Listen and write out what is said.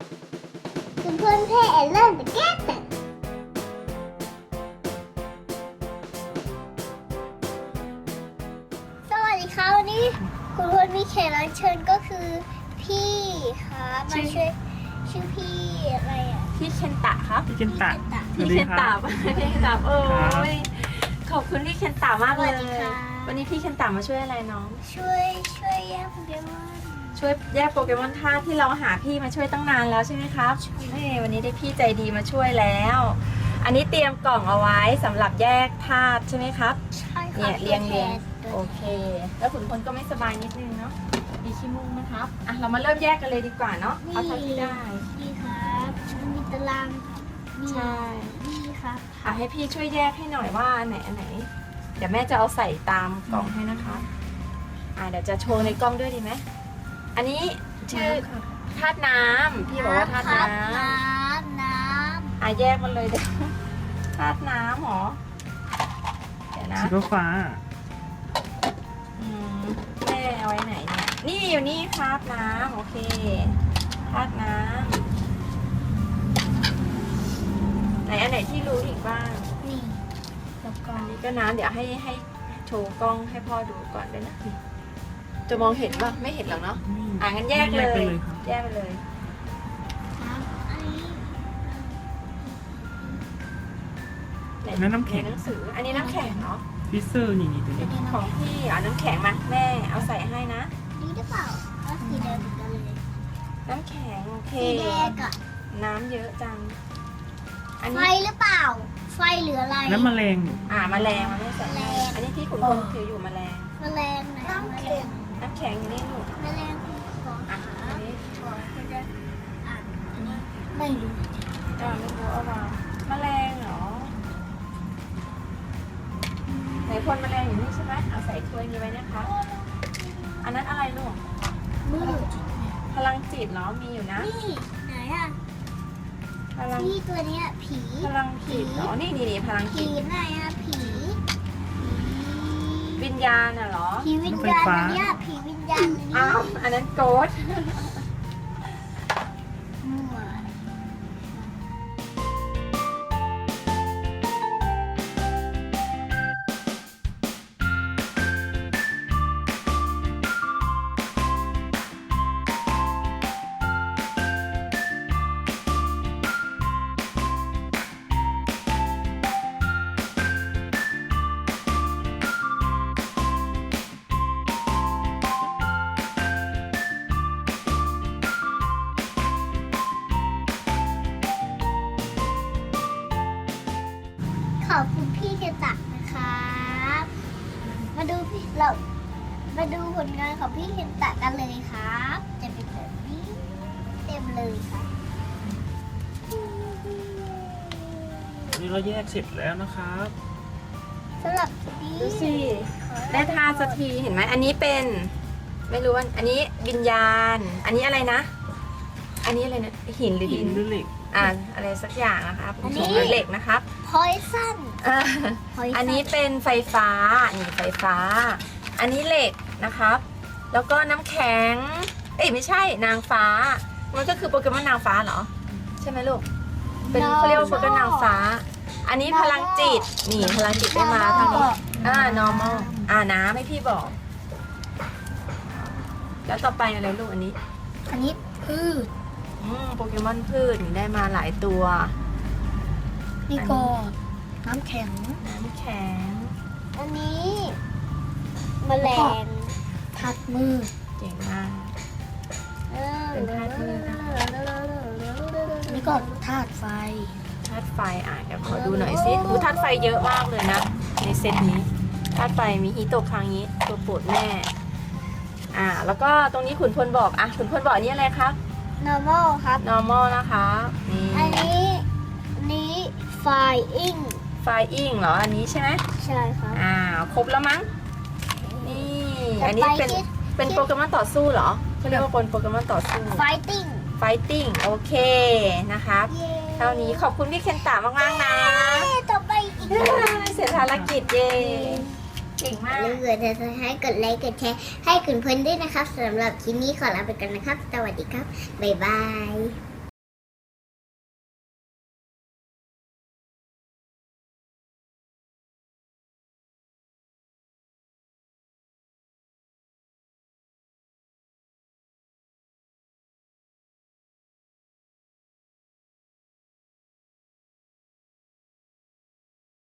คุณเพื่อนเพ่เริ่มจะแก้แต่สวัสดีครับวันนี้คุณเพื่อนมีแขกรับเชิญก็คือพี่ครับมาช่วยชื่อพี่อะไรอ่ะพี่เคนตะครับพี่เคนตะพี่เคนตะพี่เคนตะโอ้ยขอบคุณพี่เคนตะมากเลยวันนี้พี่เคนตะมาช่วยอะไรน้องช่วยแยกโปเกมอนช่วยแยกโปเกมอนธาตุที่เราหาพี่มาช่วยตั้งนานแล้วใช่ไหมครับนี่วันนี้ได้พี่ใจดีมาช่วยแล้ว อันนี้เตรียมกล่องเอาไว้สำหรับแยกธาตุใช่ไหมครับใช่ค่ะเนี่ยเรียงโอเค แล้วขุนพลก็ไม่สบายนิดนึงเนาะมีขี้มูกนะครับอ่ะเรามาเริ่มแยกกันเลยดีกว่าเนาะเอาเท่าที่ได้นี่ครับมีตารางมีใช่นี่ครับอ่ะให้พี่ช่วยแยกให้หน่อยว่าอันไหน เดี๋ยวแม่จะเอาใส่ตามกล่องให้นะคะเดี๋ยวจะโชว์ในกล้องด้วยดีไหมอันนี้ชื่อธาตุน้ำพี่บอกว่าธาตุน้ำน้ำแยกมันเลยเดี๋ยวธาตุน้ำหรอเดี๋ยวนะสีฟ้าแม่เอาไว้ไหนเนี่ยนี่อยู่นี่ครับน้ำโอเคธาตุน้ำไหนอันไหนที่รู้อีกบ้างนี่แล้วก็อันนี้ก็น้ำเดี๋ยวให้โชว์กล้องให้พ่อดูก่อนด้วยนะจะมองเห็นป่ะไม่เห็นหรอกเนาะงั้นแยกเลยครับแยกไปเลยน้ำอันนี้นั่นน้ำแข็งในหนังสืออันนี้น้ำแข็งเนาะฟิเซอร์นี่ตัวนี้ของพี่เอาน้ำแข็งมาแม่เอาใส่ให้นะนี่หรือเปล่าก็สีแดงเหมือนกันเลยน้ำแข็งโอเคสีแดงอะน้ำเยอะจังอันไฟนี้หรือเปล่า ไฟหรืออะไรน้ำแมลงแมลงมันไม่ใส่แมลงอันนี้ที่ขุนพลถืออยู่แมลงแมลงไหนน้ำแข็งน้ำแข็งอยู่นี่ลูกแมลงของอันนี้ขอให้แยกอันนี้ไม่รู้ไม่รู้เอามาแมลงเหรอไหนพลแมลงอยู่นี่ใช่ไหมเอาใส่ถ้วยนี้ไว้นะคะอันนั้นอะไรลูกมืดพลังจิตเหรอมีอยู่นะนี่ไหนอะพลังพี่ตัวเนี้ยผีพลังจิตเหรอนี่พลังผีจิตไหนอะผีวิญญาณน่ะเหรอผีวิญญาณอันเนี้ยผีวิญญาณอันนี้อ้าวอันนั้นโกดมั่ว ขอบคุณพี่เจตักนะครับ มาดูผลงานของพี่เคนตะกันเลยครับ จะเป็นแบบนี้เต็มเลยครับนี่เราแยกเสร็จแล้วนะครับสำหรับนี้ดูสิได้ทาสักทีเห็นไหมอันนี้เป็น ไม่รู้ว่าอันนี้วิญญาณ อันนี้อะไรนะ อันนี้อะไรนะหินหรือหิดินนหรือเหล็กอะไรสักอย่างนะครับเหล็กนะครับพอยซันอันนี้เป็นไฟฟ้านี่ไฟฟ้า อันนี้เหล็กนะครับ แล้วก็น้ำแข็งไม่ใช่นางฟ้า มันก็คือโปเกมอนนางฟ้าเหรอ ใช่ไหมลูก เป็นเขาเรียกว่าโปเกมอนนางฟ้า อันนี้พลังจิต นี่พลังจิตได้มาทางนี้ normal น้ำให้พี่บอก แล้วต่อไปอะไรลูกอันนี้อันนี้พืชโปเกมอนพืชนี่ได้มาหลายตัวนี่ก็น้ำแข็งน้ำแข็งอันนี้แมลงทัดมือเก่งมาก เป็นธาตุมืดนะนี่ก็ธาตุไฟธาตุไฟเดี๋ยวขอดูหน่อยสิธาตุไฟเยอะมากเลยนะ ในเซตนี้ธาตุไฟมีฮิโตะคังนี้ตัวโปรดแม่แล้วก็ตรงนี้ขุนพลบอกขุนพลบอกอันนี้อะไรครับ normal ครับ normal นะคะนี่อันนี้ flying ไฟอิงเหรออันนี้ใช่ไหมใช่ครับครบแล้วมั้งนี่อันนี้เป็นต่อไปเป็นโปเกมอนต่อสู้เหรอเขาเรียกว่าโปเกมอนต่อสู้ fighting fighting โอเคนะครับเย้เท่านี้ขอบคุณพี่เคนตามากๆนะต่อไปอีกเสร็จภารกิจเย่เก่งมากอย่าลืมให้กดไลค์กดแชร์ให้คุณเพื่อนด้วยนะครับสำหรับคลิปนี้ขอลาไปก่อนนะครับ สวัสดีครับ บ๊ายบาย